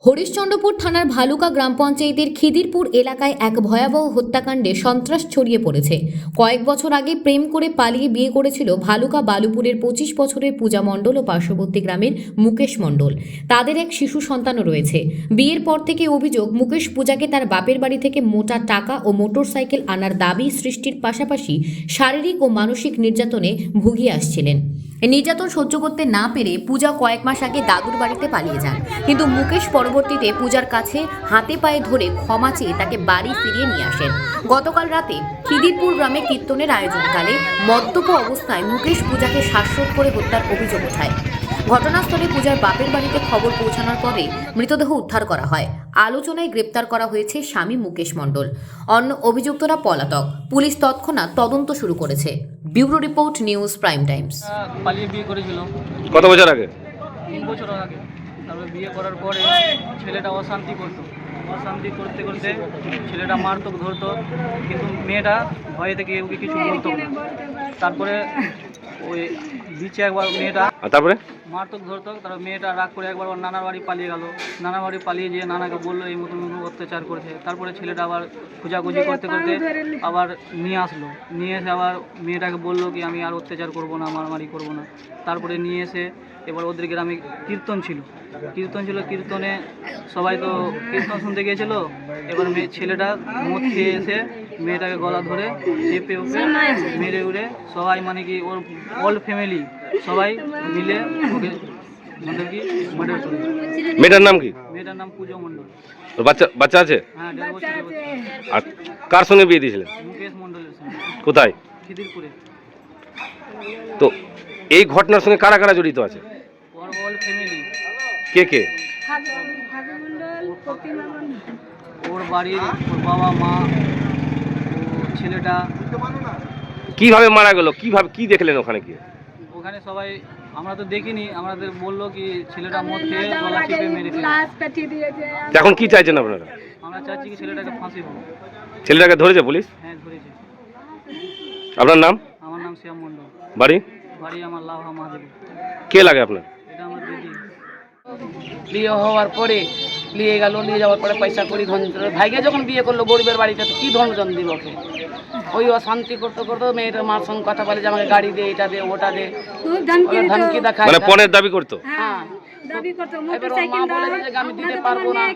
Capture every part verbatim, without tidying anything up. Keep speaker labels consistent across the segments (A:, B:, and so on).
A: হরিশ্চন্দ্রপুর থানার ভালুকা গ্রাম পঞ্চায়েতের খিদিরপুর এলাকায় এক ভয়াবহ হত্যাকাণ্ডে সন্ত্রাস ছড়িয়ে পড়েছে। কয়েক বছর আগে প্রেম করে পালিয়ে বিয়ে করেছিল ভালুকা বালুপুরের পঁচিশ বছরের পূজা মণ্ডল ও পার্শ্ববর্তী গ্রামের মুকেশ মণ্ডল। তাদের এক শিশু সন্তানও রয়েছে। বিয়ের পর থেকে অভিযোগ, মুকেশ পূজাকে তার বাপের বাড়ি থেকে মোটা টাকা ও মোটরসাইকেল আনার দাবি সৃষ্টির পাশাপাশি শারীরিক ও মানসিক নির্যাতনে ভুগিয়ে আসছিলেন। নির্যাতন সহ্য করতে না পেরে পূজা কয়েক মাস আগে দাদুর বাড়িতে পালিয়ে যান, কিন্তু মুকেশ পরবর্তীতে পূজার কাছে হাতে পায়ে ধরে ক্ষমা চেয়ে তাকে বাড়ি ফিরিয়ে নিয়ে আসেন। গতকাল রাতে খিদিরপুর গ্রামে কীর্তনের আয়োজনকালে মদ্যপ অবস্থায় মুকেশ পূজাকে শ্বাসরোধ করে হত্যার অভিযোগ ওঠায়। ঘটনাস্থলে পূজার বাপের বাড়িতে খবর পৌঁছানোর পরে মৃতদেহ উদ্ধার করা হয়। আলোচনায় গ্রেপ্তার করা হয়েছে স্বামী মুকেশ মণ্ডল। অন্য অভিযুক্তরা পলাতক। পুলিশ তৎক্ষণাৎ তদন্ত শুরু করেছে। Bureau report, news prime times.
B: পালিয়ে বিয়ে করেছিল
C: কত বছর আগে?
B: তিন বছর আগে। তারপরে বিয়ে করার পরে ছেলেটা অশান্তি করতো, অশান্তি করতে করতে ছেলেটা মারতো, ধরতো, কিন্তু মেয়েটা ভয়ে থেকে ওকে কিছু বলতো না। তারপরে ওই বিচে একবার মেয়েটা
C: তারপরে
B: মারতো, ধরতো, তারপর মেয়েটা রাগ করে একবার ওর নানার বাড়ি পালিয়ে গেল। নানার বাড়ি পালিয়ে যেয়ে নানাকে বললো এই মতন মতন অত্যাচার করেছে। তারপরে ছেলেটা আবার খোঁজাখুঁজি করতে করতে আবার নিয়ে আসলো। নিয়ে এসে আবার মেয়েটাকে বললো কি আমি আর অত্যাচার করবো না, মারামারি করবো না। তারপরে নিয়ে এসে এবার ওদের গ্রামে কীর্তন ছিল, কীর্তন ছিল কীর্তনে সবাই তো কীর্তন শুনতে গিয়েছিল। এবার মেয়ে ছেলেটা মদ খেয়ে এসে মেয়েটাকে গলা ধরে চেপে ওকে মেরে উড়ে সবাই, মানে কি ওর অল ফ্যামিলি সবাই মিলে ওকে মানে কি মার্ডার করে।
C: মেয়েটার নাম কি?
B: মেয়েটার নাম পূজা মণ্ডল।
C: ওর বাচ্চা বাচ্চা আছে?
B: হ্যাঁ, দেড় বছরের বাচ্চা।
C: আর কার সঙ্গে বিয়ে দিয়েছিলেন?
B: মুকেশ মণ্ডলের সঙ্গে।
C: কোথায়?
B: খিদিরপুরে।
C: তো এই ঘটনার সঙ্গে কারা কারা জড়িত আছে?
B: ওর অল ফ্যামিলি।
C: কে কে?
B: ওর বাড়ির ওর বাবা মা, ও ছেলেটা।
C: কিভাবে মারা গেল? কিভাবে কি দেখলেন ওখানে গিয়ে?
B: ওখানে সবাই আমরা তো দেখিনি, আমাদের বললো কি ছেলেটা মদ খেয়ে গলা চেপে মেরে ফেলেছে।
C: এখন কি চাইছেন আপনারা?
B: আমরা চাচ্ছি কি ছেলেটাকে ফাঁসি হোক।
C: ছেলেটাকে ধরেছে পুলিশ?
B: হ্যাঁ, ধরেছে।
C: আপনার নাম?
B: আমার নাম শ্যাম মণ্ডল।
C: বাড়ি?
B: বাড়ি আমার লাভা মহাদেব।
C: কে লাগে আপনার?
B: এটা আমার দিদি।
D: বিয়ে হওয়ার পরে নিয়ে গেল, নিয়ে যাওয়ার পরে পয়সা করি ধন ভাইকে যখন বিয়ে করলো গরিবের বাড়িতে, তো কী ধনজন দিব ওকে? ওই অশান্তি করতে করতে মেয়েটার মার সঙ্গে কথা বলে যে আমাকে গাড়ি দে, এটা দে, ওটা দে, ধমকি দেখায়,
C: মানে পণের দাবি করতো।
D: হ্যাঁ এবার ওর মা বলেছে যে আমি দিতে পারবো না,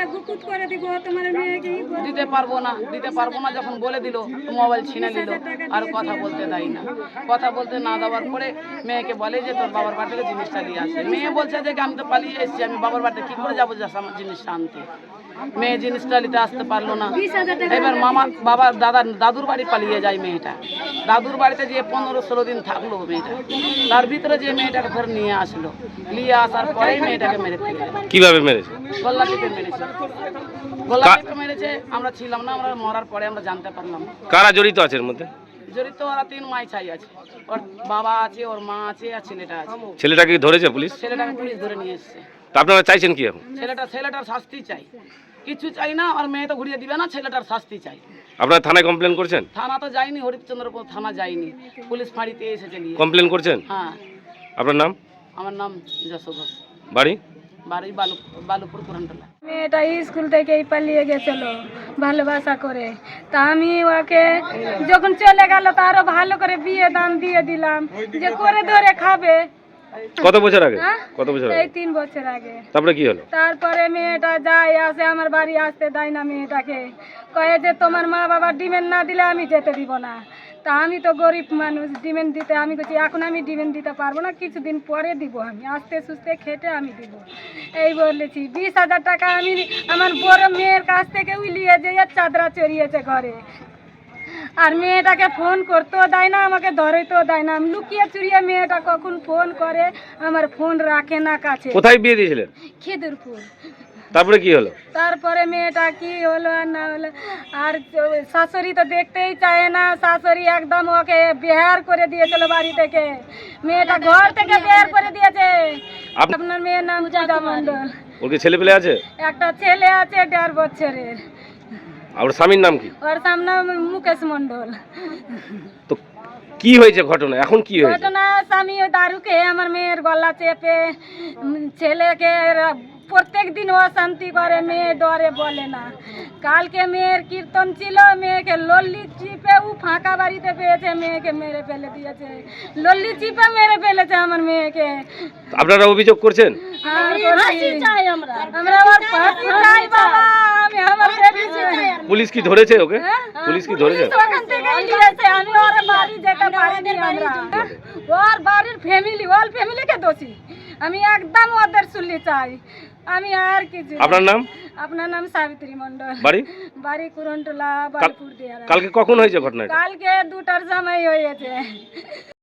D: দিতে পারবো না, দিতে পারবো না যখন বলে দিল মোবাইল ছিনে নিল, আর কথা বলতে দেয় না। কথা বলতে না দেওয়ার পরে মেয়েকে বলে যে তোর বাবার বাড়ি থেকে জিনিসটা নিয়ে আসে। মেয়ে বলছে যে আমি তো পালিয়ে এসেছি, আমি বাবার বাড়িতে কী করে যাবো যে আমার জিনিসটা আনতে? মেয়ে জিনিসটা নিতে আসতে পারলো না। এবার মামা বাবা দাদা দাদুর বাড়ি পালিয়ে যায় মেয়েটা। দাদুর বাড়িতে যেয়ে পনেরো ষোলো দিন থাকলো মেয়েটা। তার ভিতরে যে মেয়েটাকে ধরে নিয়ে আসলো, নিয়ে আসার পরেই মেয়েটাকে মেরে ফেলে।
C: কিভাবে মেরেছে?
D: গলা টিপে মেরেছে, গলা টিপে মেরেছে। আমরা ছিলাম না, আমরা মরার পরে আমরা জানতে পারলাম।
C: কারা জড়িত আছে এর মধ্যে?
D: জড়িত ওরা তিন মাই ছাই আছে, ওর বাবা আছে, ওর মা আছে, আর ছেলেটা আছে।
C: ছেলেটাকে ধরেছে পুলিশ?
D: ছেলেটাকে পুলিশ ধরে নিয়ে এসছে।
C: তা আপনারা চাইছেন কি এখন?
D: ছেলেটা ছেলেটার শাস্তি চাই, কিছু চাই না। আর মেয়ে তো ঘুরিয়ে দিবে না, ছেলেটার শাস্তি চাই।
C: আপনারা থানায় কমপ্লেন করছেন?
D: থানা তো যায়নি, হরিশ্চন্দ্রপুর থানা যায়নি, পুলিশ ফাঁড়িতে এসেছে নিয়ে।
C: কমপ্লেন করছেন?
D: হ্যাঁ।
C: আপনার নাম?
D: আমার নাম যশো ঘোষ।
C: বাড়ি?
D: বাড়ি বালু বালুপুর কুরানটলা।
E: মেয়েটা স্কুল থেকেই পালিয়ে গেছিল ভালোবাসা করে। তা আমি ওকে যখন চলে গেল তা আরো ভালো করে বিয়ে দাম দিয়ে দিলাম যে করে ধরে খাবে।
C: কত বছর আগে? কত বছর আগে?
E: এই তিন বছর আগে।
C: তারপরে কি হলো?
E: তারপরে মেয়েটা যায় আসে, আমার বাড়ি আসতে দেয় না মেয়েটাকে। কয়ে যে তোমার মা বাবা ডিমেন্ড না দিলে আমি যেতে দিব না। তা আমি তো গরিব মানুষ, ডিমেন্ড দিতে আমি বলছি এখন আমি ডিমেন্ড দিতে পারবো না, কিছুদিন পরে দিব, আমি আস্তে সুস্তে খেটে আমি দিব এই বলেছি। বিশ হাজার টাকা আমি আমার বড় মেয়ের কাছ থেকে উলিয়ে যেয়ে চাদরা চড়িয়েছে ঘরে। আর মেয়েটাকে ফোন করতেও দেয় না, আমাকে ধরেতেও দেয় না। আমি লুকিয়ে চুরিয়ে মেয়েটা কখন ফোন করে, আমার ফোন রাখে না কাছে।
C: কোথায় বিয়ে দিয়েছিলেন?
E: খিদিরপুর।
C: তারপরে কি হলো?
E: তারপরে মেয়েটা কি হলো আর না হলো, আর শাশুড়ি তো দেখতেই চায় না। শাশুড়ি একদম ওকে বেহার করে দিয়েছিল বাড়ি থেকে, মেয়েটা ঘর থেকে বের করে দিয়েছে। আপনার মেয়ের নাম পূজা মণ্ডল।
C: ওর কি ছেলে পেলে আছে?
E: একটা ছেলে আছে দেড় বছরের।
C: আর স্বামীর নাম কি?
E: ওর সামনে মুকেশ মণ্ডল।
C: তো কি হয়েছে ঘটনা? এখন কি হয়েছে?
E: ঘটনা স্বামী দারু খেয়ে আমার মেয়ের গলা চেপে ছেলেকে প্রত্যেক দিন অশান্তি করে, মেয়ে ডরে বলে না। কালকে মেয়ের কীর্তন ছিল, মেয়েকে লল্লি চিপে ও ফাঁকা বাড়িতে পেয়েছে, মেয়েকে মেরে ফেলে দিয়েছে, লল্লি চিপে মেরে ফেলেছে আমার মেয়েকে।
C: আপনারা অভিযোগ করছেন?
E: আর ফাঁসি চাই আমরা, আমরা আবার ফাঁসি চাই বাবা, আমি আমার বেবি চাই।
C: পুলিশ কি ধরেছে ওকে?
E: হ্যাঁ?
C: পুলিশ কি ধরেছে?
E: পুলিশ ওখান থেকে নিয়েছে, আমি ওর বাড়ি যেতে পারিনি আমরা। ওর বাড়ির ফ্যামিলি, ওর ফ্যামিলিকে দোষী, আমি একদম ওদের শুনলি চাই, আমি আর কিছু।
C: আপনার নাম?
E: আপনার নাম সাবিত্রী মণ্ডল,
C: বাড়ি?
E: বাড়ি কুরনটোলা, বালপুর দিয়া।
C: কালকে কখন হয়েছে ঘটনাটা?
E: কালকে দুটার সময় হয়েছে।